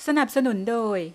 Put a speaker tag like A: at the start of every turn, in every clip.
A: สนับสนุนโดย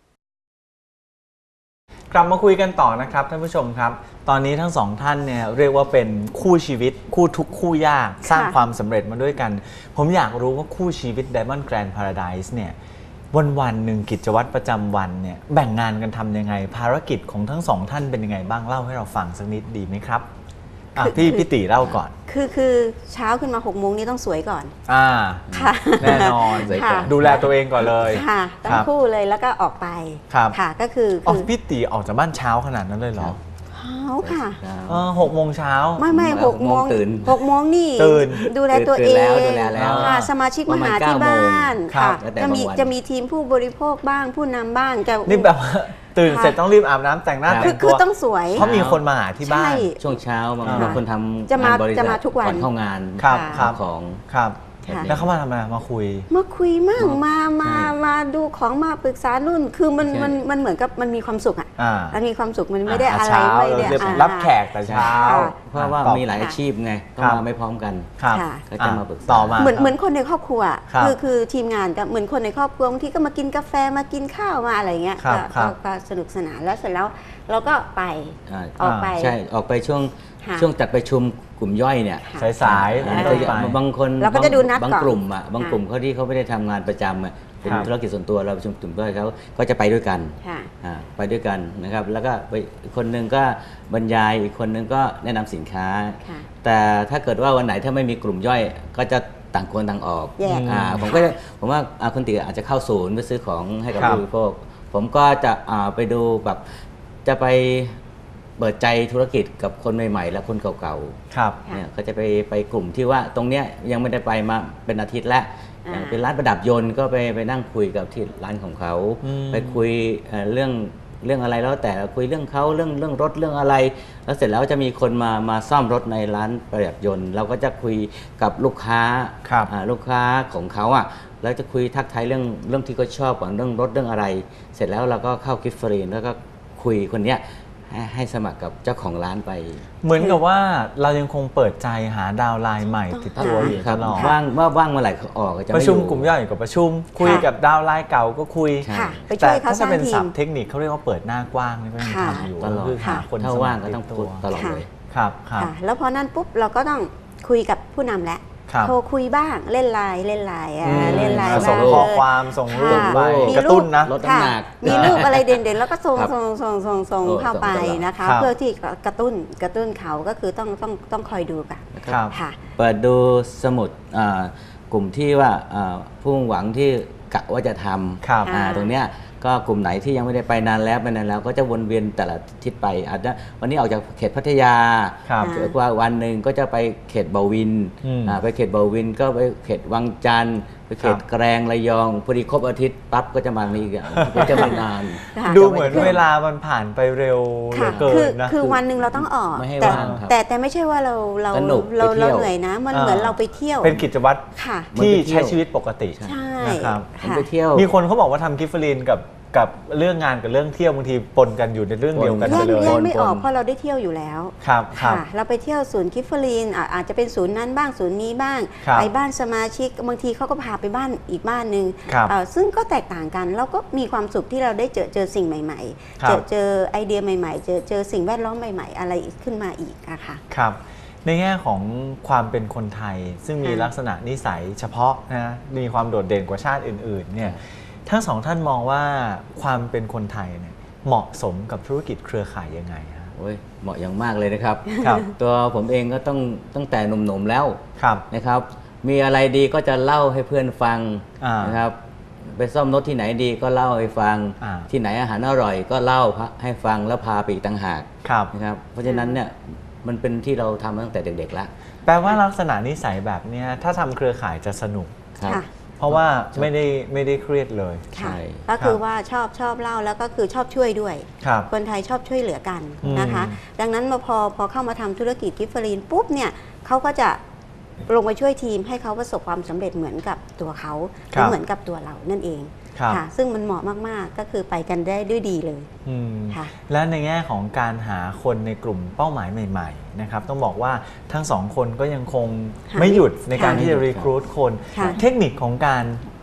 B: กลับมาคุยกันต่อนะครับท่านผู้ชมครับ ตอนนี้ทั้งสองท่านเนี่ยเรียกว่าเป็นคู่ชีวิตคู่ทุกข์คู่ยากสร้างความสำเร็จมาด้วยกันผมอยากรู้ว่าคู่ชีวิต Diamond Grand Paradise เนี่ยวันหนึ่งกิจวัตรประจำวันเนี่ยแบ่งงานกันทำยังไงภารกิจของทั้งสองท่านเป็นยังไงบ้างเล่าให้เราฟังสักนิดดีไหมครับพี่ติเล่าก่อน
C: คือเช้าขึ้นมา6 โมงนี้ต้องสวยก่อน
B: ค่ะแน่นอนดูแลตัวเองก่อนเลย
C: ค่ะต้องคู่เลยแล้วก็ออกไปค่ะก็คือ
B: พี่ติออกจากบ้านเช้าขนาดนั้นเลยเหรอ
C: เช้าค่ะ
B: 6 โมงเช้า
C: ไม่6 โมงตื่น6 โมงนี่ดูแลตัวเองค่ะสมาชิกมาหาที่บ้านค่ะจะมีทีมผู้บริโภคบ้างผู้นำบ้าง
B: นี่แบบตื่นเสร็จต้องรีบอาบน้ำแต่งหน้าแต่งตัว
C: คือต้องสวย
B: เพราะมีคนมาหาที่บ้าน
D: ช่วงเช้าบางคนทำ
C: จะมาทุกวัน
D: ก่อนเข้างานของ
B: แล้วเขามาทำอะไรมาคุย
C: มั่งมาดูของมาปรึกษารุ่นคือมันเหมือนกับมันมีความสุขอ่ะมันมีความสุขมันไม่ได้อะไรไม่ได้
B: รับแขกแต่เช้า
D: เพราะว่ามีหลายอาชีพไงต้องมาไม่พร้อมกันก็จะมาปรึกษา
B: ต่อมา
C: เหมือนคนในครอบครัวคือทีมงานก็เหมือนคนในครอบครัวบางทีก็มากินกาแฟมากินข้าวมาอะไรเงี้ยก็สนุกสนานแล้วเสร็จแล้วเราก็ไปออกไป
D: ใช่ออกไปช่วงจัดประชุมกลุ่มย่อยเนี่ย
B: สาย
D: บางคน
C: เราก็จะดูนัดก่อน
D: บางกลุ่มเขาที่เขาไม่ได้ทำงานประจำเป็นธุรกิจส่วนตัวเราประชุมกลุ่มย่อยเขาก็จะไปด้วยกันไปด้วยกันนะครับแล้วก็คนหนึ่งก็บรรยายอีกคนหนึ่งก็แนะนำสินค้าแต่ถ้าเกิดว่าวันไหนถ้าไม่มีกลุ่มย่อยก็จะต่างคนต่างออกผมว่าคนตีอาจจะเข้าศูนย์ไปซื้อของให้กับผู้บริโภคผมก็จะไปดูแบบจะไปเปิดใจธุรกิจกับคนใหม่ๆและคนเก่าๆเนี่ยก็จะไปกลุ่มที่ว่าตรงเนี้ยยังไม่ได้ไปมาเป็นอาทิตย์แล้วอย่างเป็นร้านประดับยนต์ก็ไปนั่งคุยกับที่ร้านของเขาไปคุยเรื่องอะไรแล้วแต่คุยเรื่องเขาเรื่องรถเรื่องอะไรแล้วเสร็จแล้วจะมีคนมาซ่อมรถในร้านประดับยนต์เราก็จะคุยกับลูกค้าของเขาแล้วจะคุยทักทายเรื่องที่เขาชอบก่อนเรื่องรถเรื่องอะไรเสร็จแล้วเราก็เข้ากิฟต์ฟรีแล้วก็คุยคนเนี้ยให้สมัครกับเจ้าของร้านไป
B: เหมือนกับว่าเรายังคงเปิดใจหาดาวไลน์ใหม่ติดตัวอยู่ตลอด
D: ว่างเมื่อไหร่ออกจะ
B: ประชุมกลุ่มย่อยกับประชุมคุยกับดาวไลน์เก่าก็คุยแต่ถ้าจะเป็นศัพท์เทคนิคเขาเรียกว่าเปิดหน้ากว้างนี่ก็ยังทำอยู่คือหาคน
D: ถ้าว่างก็ต้องพูดตลอดเลย
B: ครับ
C: แล้วพอนั้นปุ๊บเราก็ต้องคุยกับผู้นำแล้วโทรคุยบ้างเล่นไลน์
B: ส่งข้อความส่งรูปไปกระตุ้นนะ
D: ลดน้ำหนัก
C: มีรูปอะไรเด่นๆแล้วก็ส่งเข้าไปนะคะเพื่อที่กระตุ้นเขาก็คือต้องคอยดูกัน
D: ค่ะเปิดดูสมุดกลุ่มที่ว่าผู้หวังที่กะว่าจะทำตรงเนี้ยก็กลุ่มไหนที่ยังไม่ได้ไปนานแล้วก็จะวนเวียนแต่ละทิศไปอาจจะวันนี้ออกจากเขตพัทยาว่าวันหนึ่งก็จะไปเขตบาวินไปเขตบาวินก็ไปเขตวังจันทร์ไปเขตแกลงระยองพอดีครบอาทิตย์ปั๊บก็จะมานี่กันก็จะไม่นาน
B: ดูเหมือนเวลามันผ่านไปเร็วเหลือเกินนะ
C: คือวันหนึ่งเราต้องออกแต่ไม่ใช่ว่าเราเหนื่อยนะมันเหมือนเราไปเที่ยว
B: เป็นกิจวัตรที่ใช้ชีวิตปกติ
C: ใช่
B: นะครับ
D: ไปเที่ยว
B: มีคนเขาบอกว่าทำกิฟต์ฟรีนกับเรื่องงานกับเรื่องเที่ยวบางทีปนกันอยู่ในเรื่องเดียวกันเลย
C: แยกไม่ออกเพราะเราได้เที่ยวอยู่แล้ว
B: ครับ
C: เราไปเที่ยวศูนย์กิฟต์ลีนอาจจะเป็นศูนย์นั้นบ้างศูนย์นี้บ้างไปบ้านสมาชิกบางทีเขาก็พาไปบ้านอีกบ้านหนึ่งซึ่งก็แตกต่างกันเราก็มีความสุขที่เราได้เจอสิ่งใหม่ๆเจอไอเดียใหม่ๆเจอสิ่งแวดล้อมใหม่ๆอะไรขึ้นมาอีกค่ะ
B: ครับในแง่ของความเป็นคนไทยซึ่งมีลักษณะนิสัยเฉพาะนะมีความโดดเด่นกว่าชาติอื่นๆเนี่ยทั้งสองท่านมองว่าความเป็นคนไทยเนี่ยเหมาะสมกับธุรกิจเครือข่ายยังไงฮะ
D: เหมาะอย่างมากเลยนะครับ ตัวผมเองก็ตั้งแต่หนุ่มๆแล้วนะครับมีอะไรดีก็จะเล่าให้เพื่อนฟังนะครับไปซ่อมรถที่ไหนดีก็เล่าให้ฟังที่ไหนอาหารอร่อยก็เล่าให้ฟังแล้วพาไปอีกต่างหากนะครับเพราะฉะนั้นเนี่ยมันเป็นที่เราทำตั้งแต่เด็กๆแล้ว
B: แปลว่าลักษณะนิสัยแบบนี้ถ้าทำเครือข่ายจะสนุกเพราะว่าไม่ได้เครียดเลย
C: ใช่ก็คือว่าชอบเล่าแล้วก็คือชอบช่วยด้วยคนไทยชอบช่วยเหลือกันนะคะดังนั้นพอเข้ามาทำธุรกิจกิฟต์ลีนปุ๊บเนี่ยเขาก็จะลงไปช่วยทีมให้เขาประสบความสำเร็จเหมือนกับตัวเขาเหมือนกับตัวเรานั่นเองค่ะซึ่งมันเหมาะมากๆก็คือไปกันได้ด้วยดีเลย
B: ค่ะและในแง่ของการหาคนในกลุ่มเป้าหมายใหม่ๆนะครับต้องบอกว่าทั้งสองคนก็ยังคงไม่หยุดในการที่จะรีครูทคนเทคนิคของการ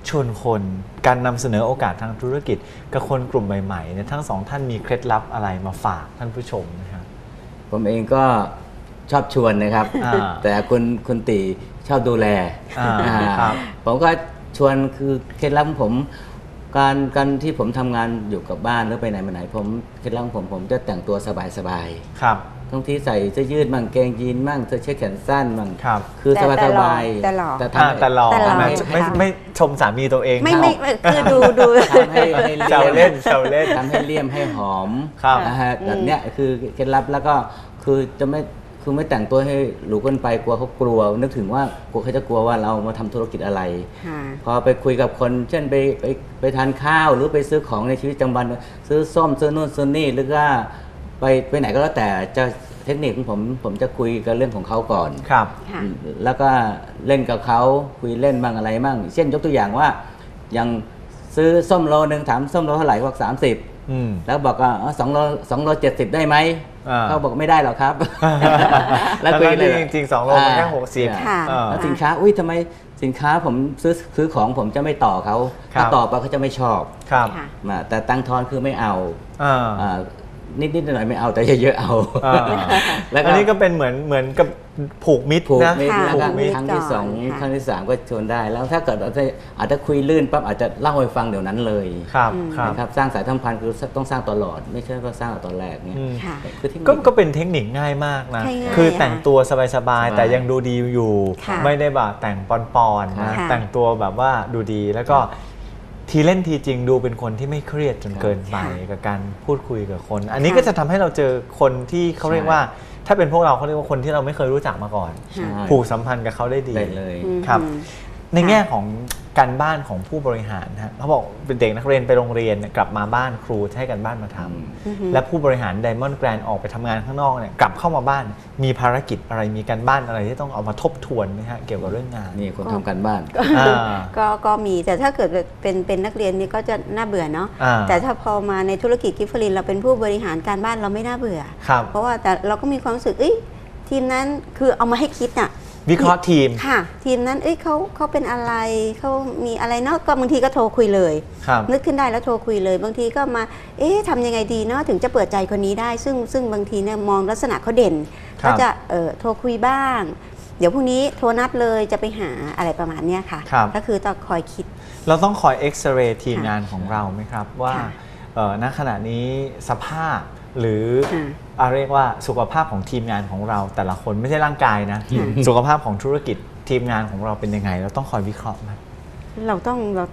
B: ชวนคนการนำเสนอโอกาสทางธุรกิจกับคนกลุ่มใหม่ๆเนี่ยทั้งสองท่านมีเคล็ดลับอะไรมาฝากท่านผู้ชมนะครับ
D: ผมเองก็ชอบชวนนะครับ แต่คุณตีชอบดูแล
B: ครับ
D: ผมก็ชวนคือเคล็ดลับของผมการที่ผมทำงานอยู่กับบ้านหรือไปไหนมาไหนผมเคล็ดลับของผมจะแต่งตัวสบายๆ
B: ครับ
D: ทั้งที่ใส่เสื้อยืดมั่งเกงยีนมั่งเสื้อเชิ้ตแขนสั้นมั่ง
B: ครับ
D: คือสบายสบาย
C: แต่หล่อ
D: แต่
B: แต่หล่อ
C: แต่หล่อ
B: นะ
C: ค่ะ
B: ไม่ชมสามีตัวเอง
C: ไม่
B: นะ
C: คือดู
D: ทำให้
B: แซวเล่นแซวเล่น
D: ทำให้เลี่ยมให้หอม
B: ครับ
D: นะฮะแบบเนี้ยคือเคล็ดลับแล้วก็คือจะไม่คือไม่แต่งตัวให้หรูเกินไปกลัวเขากลัวนึกถึงว่ากลัวเขาจะกลัวว่าเรามาทำธุรกิจอะไร
C: ค่ะ
D: พอไปคุยกับคนเช่นไปทานข้าวหรือไปซื้อของในชีวิตประจำวันซื้อส้มซื้อนู่นซื้อนี่หรือว่าไปไหนก็แล้วแต่จะเทคนิคของผมจะคุยกันเรื่องของเขาก่อน
B: ครับ
C: ค่ะ
D: แล้วก็เล่นกับเขาคุยเล่นบ้างอะไรบ้างเช่นยกตัวอย่างว่ายังซื้อส้มโลนึงถามส้มโลเท่าไหร่บอก30
B: อืม
D: แล้วบอกว่า2 โล 70ได้ไหม
B: อ่า
D: เขาบอกไม่ได้หรอกครับ
B: แล้ว
D: คุยเลย
B: จริงๆ2 โลมันแค่60
C: ค่ะ
D: แล้วสินค้าอุ้ยทำไมสินค้าผมซื้อของผมจะไม่ต่อเขา
B: ครับ
D: ถ้าต่อไปเขาจะไม่ชอบ
B: ครับ
C: ค่ะ
D: แต่ตังค์ทอนคือไม่เอา
B: อ่า
D: นิดๆหน่อยๆไม่เอาแต่เยอะๆเอา
B: อ่า
D: แล้วก็
B: อันนี้ก็เป็นเหมือนกับผูกมิตร
D: ผูก
B: นะ
D: มิตร
C: ค่ะ
D: แล้ว
B: ผู
D: ก็
B: กมิตร
D: ครั้งที่
C: ก่อน
D: 2
C: ค่ะ
D: ครั้งที่ 3 ก็ชวนได้ แล้วถ้าเกิดอาจจะคุยลื่นปั๊บอาจจะเล่าให้ฟังเดี๋ยวนั้นเลย
B: ครับครับ
D: นะครับสร้างสายสัมพันธ์คือต้องสร้างตลอด ไม่ใช่ว่าสร้างตอนแรกเนี่ย
B: อืม
C: ค่ะ
D: คือที่
B: ก็เป็นเทคนิคง่ายมากนะ
C: ใช่ง่าย
B: คือแต่งตัวสบาย
D: สบาย
B: ๆ แต่ยังดูดีอยู่
C: ค่ะ
B: ไม่ได้แบบแต่งปอนๆนะ
C: ค่ะ
B: แต่งตัวแบบว่าดูดี แล้วก็ทีเล่นทีจริงดูเป็นคนที่ไม่เครียดจนเกินไปกับการพูดคุยกับคน อันนี้ก็จะทำให้เราเจอคนที่เขาเรียกว่า ถ้าเป็นพวกเราเขาเรียกว่าคนที่เราไม่เคยรู้จักมาก่อน
D: ใช่
B: ผูกสัมพันธ์กับเขาได้ดี
D: ได้เลย
B: ครับ
C: อืม
B: ในแง่ของการบ้านของผู้บริหารฮะเขาบอกเป็นเด็กนักเรียนไปโรงเรียนเนี่ยกลับมาบ้านครูให้กันบ้านมาทำ
C: อือฮึ
B: และผู้บริหาร Diamond Grand ออกไปทำงานข้างนอกเนี่ยกลับเข้ามาบ้านมีภารกิจอะไรมีการบ้านอะไรที่ต้องเอามาทบทวนไหมฮะเกี่ยวกับเรื่องงาน
D: นี่คนทำการบ้าน
B: อ่า
C: ก็มีแต่ถ้าเกิดเป็นนักเรียนนี่ก็จะน่าเบื่อเนาะ
B: อ่า
C: แต่ถ้าพอมาในธุรกิจกิฟเฟอรินเราเป็นผู้บริหารการบ้านเราไม่น่าเบื่อ
B: ครับ
C: เพราะว่าแต่เราก็มีความรู้สึกทีมนั้นคือเอามาให้คิดน่ะ
B: วิเคราะห์ทีม
C: ค่ะ ทีมนั้นเขาเป็นอะไรเขามีอะไรเนาะก็บางทีก็โทรคุยเลย
B: ครับ
C: นึกขึ้นได้แล้วโทรคุยเลย บางทีก็มาทำยังไงดีเนาะถึงจะเปิดใจคนนี้ได้ ซึ่งบางทีเนี่ยมองลักษณะเขาเด่น
B: ครั
C: ก็
B: บ
C: จะโทรคุยบ้าง เดี๋ยวพรุ่งนี้โทรนัดเลยจะไปหาอะไรประมาณเนี้ยค่ะ
B: ครับ
C: ก็คือต้องคอยคิด
B: เราต้องคอยเอ็กซเรย์ทีม
C: ค่ะ
B: งานของเราไหมครับ ว่า
C: ค่ะ
B: ณขณะนี้สภาพหรือ
C: ค่ะ
B: เรียกว่าสุขภาพของทีมงานของเราแต่ละคนไม่ใช่ร่างกายนะ สุขภาพของธุรกิจทีมงานของเราเป็นยังไง เราต้องคอยวิเคราะห์ไหม
C: เราต้อง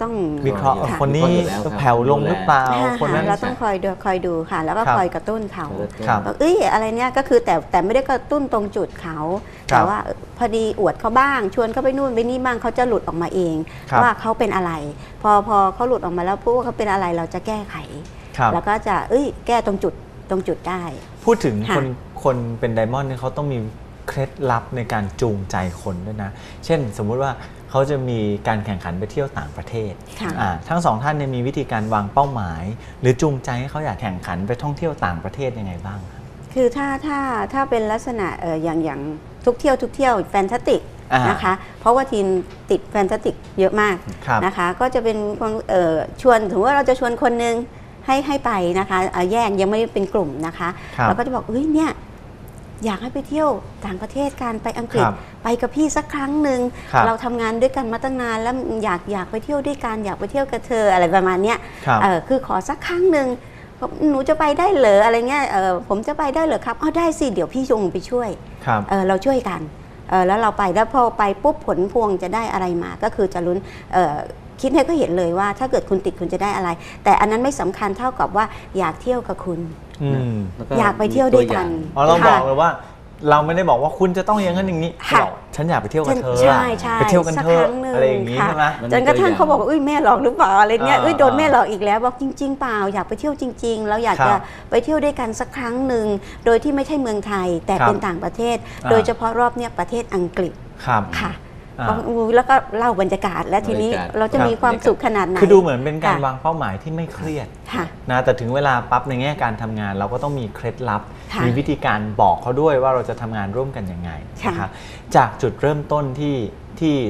B: วิเคราะห์
C: ค่ะ
B: คนนี้
D: วิเคราะห์อยู่แล้วครับ
B: แผ่วลงหรือเปล่า
C: ค่ะ
B: คนนั้น
C: เราต้องคอยดูค่ะ แล้วก็
B: ครับ
C: คอยกระตุ้นเขา
B: ครับ
C: บอกอะไรเนี่ยก็คือแต่ไม่ได้กระตุ้นตรงจุดเขา
B: ครับ
C: แต่ว่าพอดีอวดเขาบ้าง ชวนเขาไปนู่นไปนี่บ้างเขาจะหลุดออกมาเอง
B: ครับ
C: ว่าเขาเป็นอะไร พอเขาหลุดออกมาแล้วพูดว่าเขาเป็นอะไรเราจะแก้ไข
B: ครับ
C: แล้วก็จะแก้ตรงจุดได้
B: พูดถึง
C: ค่ะ
B: คนเป็นไดมอนด์เนี่ยเขาต้องมีเคล็ดลับในการจูงใจคนด้วยนะ เช่นสมมุติว่าเขาจะมีการแข่งขันไปเที่ยวต่างประเทศ
C: ค่ะ
B: ทั้งสองท่านเนี่ยมีวิธีการวางเป้าหมาย หรือจูงใจให้เขาอยากแข่งขันไปท่องเที่ยวต่างประเทศยังไงบ้างครับ
C: คือถ้าเป็นลักษณะอย่างทุกเที่ยวแฟนตาติก
B: อ่าน
C: นะคะ เพราะว่าทีมติดแฟนตาติกเยอะมาก
B: ครับ
C: นะคะ ก็จะเป็นความชวนถือว่าเราจะชวนคนนึงให้ไปนะคะแยกยังไม่ได้เป็นกลุ่มนะคะ
B: ครับ
C: เราก็จะบอกเนี่ยอยากให้ไปเที่ยวต่างประเทศกันไปอังกฤษ
B: ครับ
C: ไปกับพี่สักครั้งหนึ่ง
B: ครับ
C: เราทำงานด้วยกันมาตั้งนานแล้วอยากไปเที่ยวด้วยกันอยากไปเที่ยวกับเธออะไรประมาณเนี้ย
B: ครับ
C: คือขอสักครั้งหนึ่งบอกหนูจะไปได้เหรออะไรเงี้ยผมจะไปได้เหรอครับได้สิเดี๋ยวพี่จงไปช่วย
B: ครับ
C: เราช่วยกันแล้วเราไปแล้วพอไปปุ๊บผลพวงจะได้อะไรมาก็คือจะลุ้นคิดให้ก็เห็นเลยว่าถ้าเกิดคุณติดคุณจะได้อะไร แต่อันนั้นไม่สำคัญเท่ากับว่าอยากเที่ยวกับคุณ
B: อืม
D: แล้วก็
C: อยากไปเที่ยวด้วยกัน
B: อ๋อเราบ
C: ค่ะ
B: อกเลยว่า เราไม่ได้บอกว่าคุณจะต้องอย่างนั้นอย่างนี้
C: ค่ะ
B: บอกฉันอยากไปเที่ยวกับเธอ
C: ใช่
B: ไปเที่ยวกัน
C: สั
B: เถอะ
C: ครั้งหนึ่ง
B: อะไรอย่างนี้
C: ค่ะ
B: ใช่ไหม
C: จนกระทั่งเขาบอกว่าแม่หลอกหรือเปล่าอะไรเงี้ย
B: อ่า
C: โดนแม่หลอกอีกแล้วบอกจริง ๆ เปล่าอยากไปเที่ยวจริง ๆ แล้วอยาก
B: ครั
C: จะ
B: บ
C: ไปเที่ยวด้วยกันสักครั้งหนึ่งโดยที่ไม่ใช่เมืองไทย แต่
B: ครับ
C: เป็นต่างประเทศ
B: อ่า
C: โดยเฉพาะรอบเนี้ยประเทศอังกฤษ
B: ครับ
C: ค่ะ
B: อ่า
C: แล้วก็เล่าบรรยากาศและทีนี้
D: บรรยากาศ
C: เราจะมีความสุขขนาดไหน
B: คือดูเหมือนเป็นการ
C: ค่ะ
B: วางเป้าหมายที่ไม่เครียด
C: ค่ะ
B: นะแต่ถึงเวลาปั๊บในแง่การทำงาน เราก็ต้องมีเคล็ดลับ
C: ค่ะ
B: มีวิธีการบอกเขาด้วยว่าเราจะทำงานร่วมกันยังไง
C: ค่ะ
B: นะครับจากจุดเริ่มต้นที่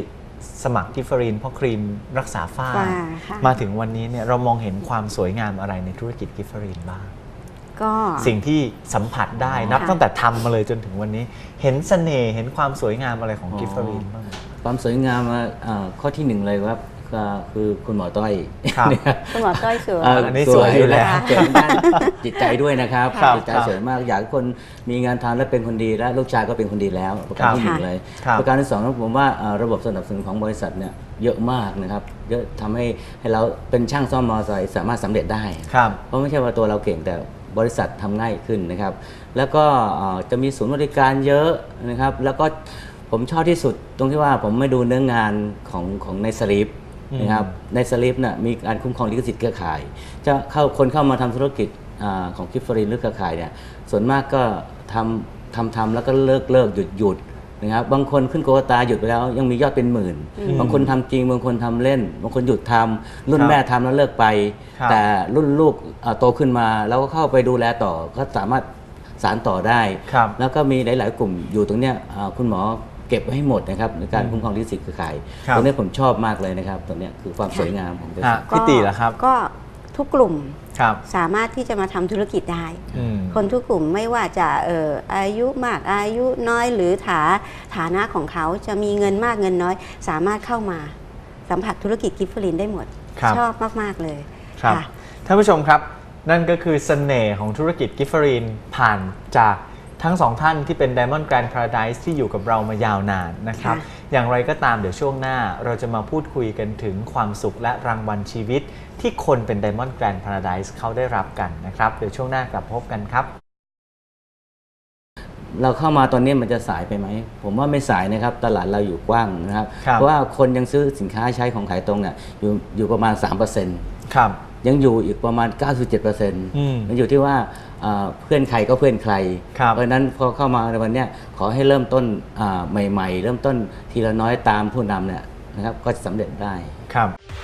B: สมัครกิฟเฟอรีนเพราะครีมรักษาฝ้า
C: ค่ะ
B: มาถึงวันนี้เนี่ยเรามองเห็นความสวยงามอะไรในธุรกิจกิฟเฟอรีนบ้าง
C: ก็
B: สิ่งที่สัมผัสได้นับตั้งแต่ทำมาเลยจนถึงวันนี้ เห็นเสน่ห์เห็นความสวยงามอะไรของกิฟเฟอรีนบ้างไหม
D: ความสวยงามข้อที่หนึ่งเลยครับก็คือคุณหมอต้อย
B: ครับ
C: คุณหมอต้อยสวย
B: อันนี้สวยอยู่แล้ว
D: สวยด้านจิตใจด้วยนะครับ
B: ครับ
D: จิตใจสวยมากอยากให้คนมีงานทำและเป็นคนดีและลูกชายก็เป็นคนดีแล้วประการที่หนึ่งเลย
B: ครับ
D: ประการที่สองผมว่าระบบสนับสนุนของบริษัทเนี่ยเยอะมากนะครับเยอะทำให้เราเป็นช่างซ่อมมอเตอร์ไซค์สามารถสำเร็จได้
B: ครับ
D: เพราะไม่ใช่ว่าตัวเราเก่งแต่บริษัททำง่ายขึ้นนะครับ แล้วก็จะมีศูนย์บริการเยอะนะครับ แล้วก็ผมชอบที่สุดตรงที่ว่าผมไม่ดูเนื้องานของในสลิปนะครับในสลิปน่ะมีการคุ้มครองลิขสิทธิ์เครือข่ายจะคนเข้ามาทำธุรกิจของกิฟเฟอรีนหรือเครือข่ายเนี่ยส่วนมากก็ทำแล้วก็เลิกหยุดนะครับบางคนขึ้นโควตาหยุดไปแล้วยังมียอดเป็นหมื่นบางคนทำจริงบางคนทำเล่นบางคนหยุดทำรุ่นแม่ทำแล้วเลิกไป
B: ครับ
D: แต่รุ่นลูกโตขึ้นมาแล้วก็เข้าไปดูแลต่อก็สามารถสานต่อได้
B: ครับ
D: แล้วก็มีหลาย ๆ กลุ่มอยู่ตรงเนี้ยคุณหมอเก็บไว้ให้หมดนะครับในการคุ้มครองลิขสิทธิ์เครือข่าย
B: ครับ
D: ตรงนี้ผมชอบมากเลยนะครับตรงเนี้ยคือความสวยงามของบริษัท
B: พี่ตีล่ะครับ
C: ก็ทุกกลุ่ม
B: ครับ
C: สามารถที่จะมาทำธุรกิจได้
B: อืม
C: คนทุกกลุ่มไม่ว่าจะอายุมากอายุน้อยหรือฐานะของเขาจะมีเงินมากเงินน้อย สามารถเข้ามาสัมผัสธุรกิจกิฟเฟอรีนได้หมด
B: ครับ
C: ชอบมาก ๆ เลย
B: ครับ
C: ค่ะ
B: ท่านผู้ชมครับ นั่นก็คือเสน่ห์ของธุรกิจกิฟเฟอรีนผ่านจากทั้งสองท่านที่เป็น Diamond Grand Paradise ที่อยู่กับเรามายาวนานนะครับ
C: ค่ะ
B: อย่างไรก็ตามเดี๋ยวช่วงหน้าเราจะมาพูดคุยกันถึงความสุขและรางวัลชีวิต ที่คนเป็น Diamond Grand Paradise เขาได้รับกันนะครับ เดี๋ยวช่วงหน้ากลับพบกันครับ
D: เราเข้ามาตอนนี้มันจะสายไปไหมผมว่าไม่สายนะครับตลาดเราอยู่กว้างนะครับ
B: ครับ
D: เพราะว่าคนยังซื้อสินค้าใช้ของขายตรงเนี่ยอยู่ประมาณ 3%
B: ครับ
D: ยังอยู่อีกประมาณ 97%
B: อืม
D: มันอยู่ที่ว่าเพื่อนใครก็เพื่อนใคร
B: ครับ
D: เพราะฉะนั้นพอเข้ามาในวันเนี้ยขอให้เริ่มต้นใหม่ๆ เริ่มต้นทีละน้อยตามผู้นำเนี่ยนะครับก็จะสำเร็จได้
B: ครับ